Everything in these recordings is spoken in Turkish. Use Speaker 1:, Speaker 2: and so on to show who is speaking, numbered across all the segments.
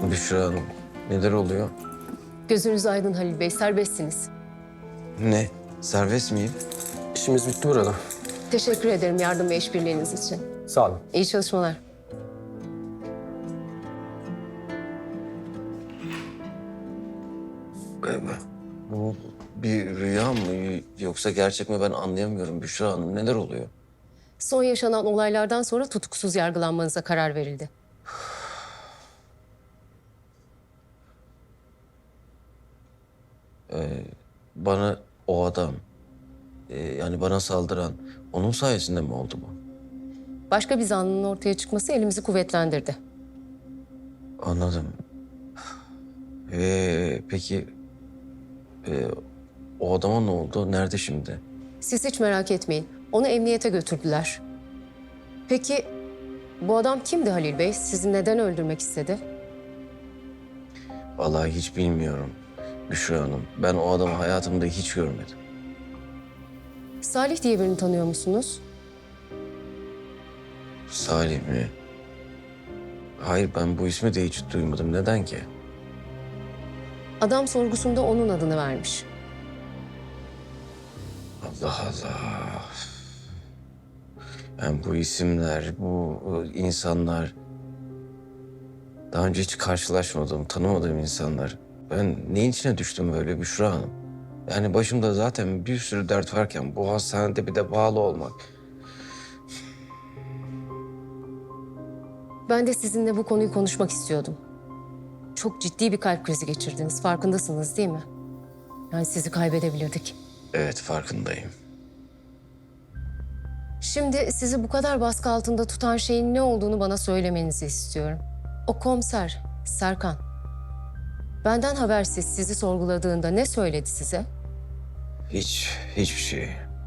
Speaker 1: Büşra Hanım, neler oluyor?
Speaker 2: Gözünüz aydın Halil Bey, serbestsiniz.
Speaker 1: Ne? Serbest miyim?
Speaker 3: İşimiz bitti burada.
Speaker 2: Teşekkür ederim yardım ve işbirliğiniz için.
Speaker 3: Sağ olun.
Speaker 2: İyi çalışmalar.
Speaker 1: Bu bir rüya mı yoksa gerçek mi ben anlayamıyorum Büşra Hanım. Neler oluyor?
Speaker 2: Son yaşanan olaylardan sonra tutuksuz yargılanmanıza karar verildi.
Speaker 1: Bana o adam, yani bana saldıran onun sayesinde mi oldu bu?
Speaker 2: Başka bir zanlının ortaya çıkması elimizi kuvvetlendirdi.
Speaker 1: Anladım. Peki o adama ne oldu? Nerede şimdi?
Speaker 2: Siz hiç merak etmeyin. Onu emniyete götürdüler. Peki bu adam kimdi Halil Bey? Sizi neden öldürmek istedi?
Speaker 1: Vallahi hiç bilmiyorum Büşra Hanım. Ben o adamı hayatımda hiç görmedim.
Speaker 2: Salih diye birini tanıyor musunuz?
Speaker 1: Salih mi? Hayır, ben bu ismi de hiç duymadım. Neden ki?
Speaker 2: Adam sorgusunda onun adını vermiş.
Speaker 1: Allah Allah. Ben bu isimler, bu insanlar... Daha önce hiç karşılaşmadığım, tanımadığım insanlar. Ben neyin içine düştüm böyle Büşra Hanım? Yani başımda zaten bir sürü dert varken bu hastanede bir de bağlı olmak.
Speaker 2: Ben de sizinle bu konuyu konuşmak istiyordum. Çok ciddi bir kalp krizi geçirdiniz. Farkındasınız değil mi? Yani sizi kaybedebilirdik.
Speaker 1: Evet, farkındayım.
Speaker 2: Şimdi sizi bu kadar baskı altında tutan şeyin ne olduğunu bana söylemenizi istiyorum. O komiser, Serkan. Benden habersiz sizi sorguladığında ne söyledi size?
Speaker 1: Hiçbir şey.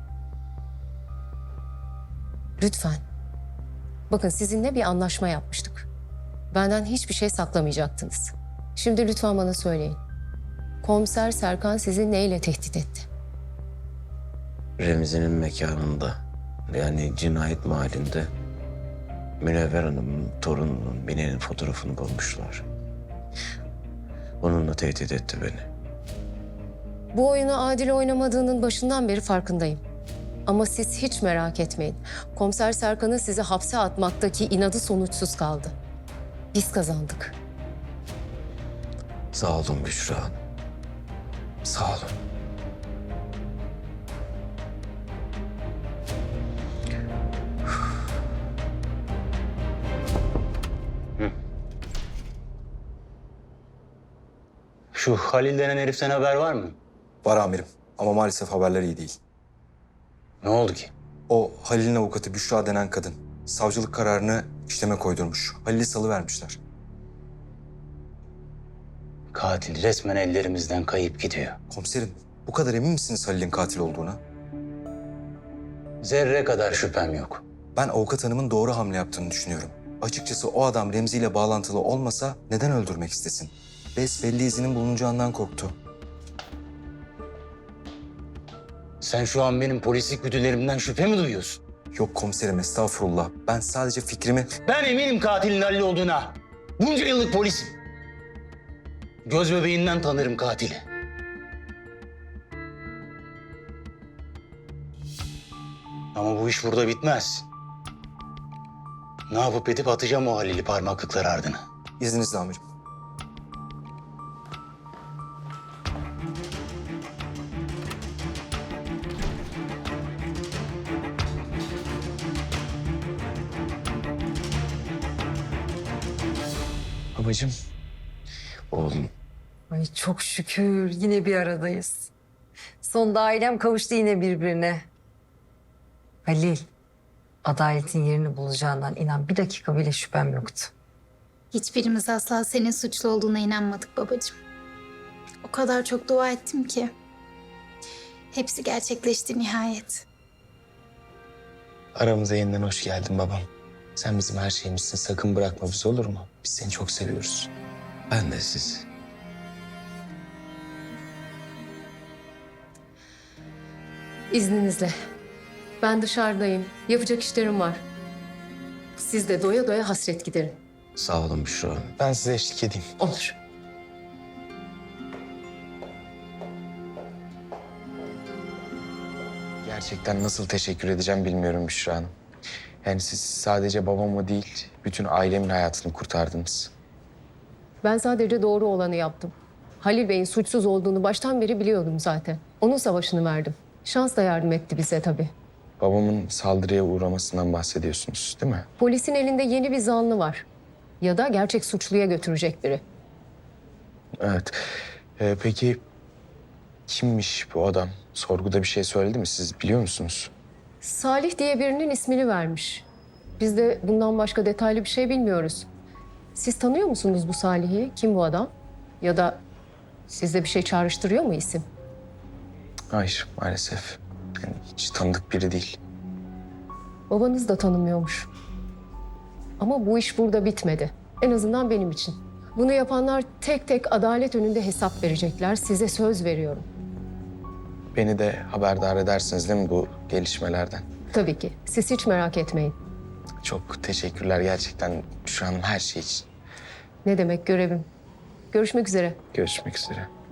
Speaker 2: Lütfen. Bakın sizinle bir anlaşma yapmıştık. Benden hiçbir şey saklamayacaktınız. Şimdi lütfen bana söyleyin. Komiser Serkan sizi neyle tehdit etti?
Speaker 1: Remzi'nin mekanında, yani cinayet mahallinde Münevver Hanım'ın torununun Mine'nin fotoğrafını bulmuşlar. Onunla tehdit etti beni.
Speaker 2: Bu oyunu adil oynamadığının başından beri farkındayım. Ama siz hiç merak etmeyin. Komiser Serkan'ın sizi hapse atmaktaki inadı sonuçsuz kaldı. Biz kazandık.
Speaker 1: Sağ olun Büşra Hanım. Sağ olun.
Speaker 4: Şu Halil denen heriften haber var mı?
Speaker 5: Var amirim ama maalesef haberler iyi değil.
Speaker 4: Ne oldu ki?
Speaker 5: O Halil'in avukatı Büşra denen kadın savcılık kararını işleme koydurmuş. Halil'i salıvermişler.
Speaker 4: Katil resmen ellerimizden kayıp gidiyor.
Speaker 5: Komiserim, bu kadar emin misiniz Halil'in katil olduğuna?
Speaker 4: Zerre kadar şüphem yok.
Speaker 5: Ben avukat hanımın doğru hamle yaptığını düşünüyorum. Açıkçası o adam Remzi ile bağlantılı olmasa neden öldürmek istesin? Besbelli izinin bulunacağından korktu.
Speaker 4: Sen şu an benim polislik güdülerimden şüphe mi duyuyorsun?
Speaker 5: Yok komiserim, estağfurullah. Ben sadece fikrimi...
Speaker 4: Ben eminim katilin Halil olduğuna. Bunca yıllık polisim. Göz bebeğinden tanırım katili. Ama bu iş burada bitmez. Ne yapıp edip atacağım o Halil'i parmaklıklar ardına.
Speaker 5: İzninizle amirim.
Speaker 1: Babacığım. Oğlum.
Speaker 6: Ay çok şükür yine bir aradayız. Sonunda ailem kavuştu yine birbirine. Halil, adaletin yerini bulacağından inan bir dakika bile şüphem yoktu.
Speaker 7: Hiçbirimiz asla senin suçlu olduğuna inanmadık babacığım. O kadar çok dua ettim ki. Hepsi gerçekleşti nihayet.
Speaker 3: Aramıza yeniden hoş geldin babam. Sen bizim her şeyimizsin. Sakın bırakma bizi, olur mu? Biz seni çok seviyoruz.
Speaker 1: Ben de siz.
Speaker 2: İzninizle. Ben dışarıdayım. Yapacak işlerim var. Siz de doya doya hasret giderin.
Speaker 1: Sağ olun Büşra Hanım.
Speaker 3: Ben size eşlik edeyim.
Speaker 2: Olur.
Speaker 3: Gerçekten nasıl teşekkür edeceğim bilmiyorum Büşra Hanım. Yani siz sadece babamı değil, bütün ailemin hayatını kurtardınız.
Speaker 2: Ben sadece doğru olanı yaptım. Halil Bey'in suçsuz olduğunu baştan beri biliyordum zaten. Onun savaşını verdim. Şans da yardım etti bize tabii.
Speaker 3: Babamın saldırıya uğramasından bahsediyorsunuz, değil mi?
Speaker 2: Polisin elinde yeni bir zanlı var. Ya da gerçek suçluya götürecek biri.
Speaker 3: Evet. Peki kimmiş bu adam? Sorguda bir şey söyledi mi? Siz biliyor musunuz?
Speaker 2: Salih diye birinin ismini vermiş. Biz de bundan başka detaylı bir şey bilmiyoruz. Siz tanıyor musunuz bu Salih'i? Kim bu adam? Ya da sizde bir şey çağrıştırıyor mu isim?
Speaker 3: Hayır, maalesef. Yani hiç tanıdık biri değil.
Speaker 2: Babanız da tanımıyormuş. Ama bu iş burada bitmedi. En azından benim için. Bunu yapanlar tek tek adalet önünde hesap verecekler. Size söz veriyorum.
Speaker 3: Beni de haberdar edersiniz değil mi bu gelişmelerden?
Speaker 2: Tabii ki. Siz hiç merak etmeyin.
Speaker 3: Çok teşekkürler gerçekten Büşra Hanım her şey için.
Speaker 2: Ne demek görevim. Görüşmek üzere.
Speaker 3: Görüşmek üzere.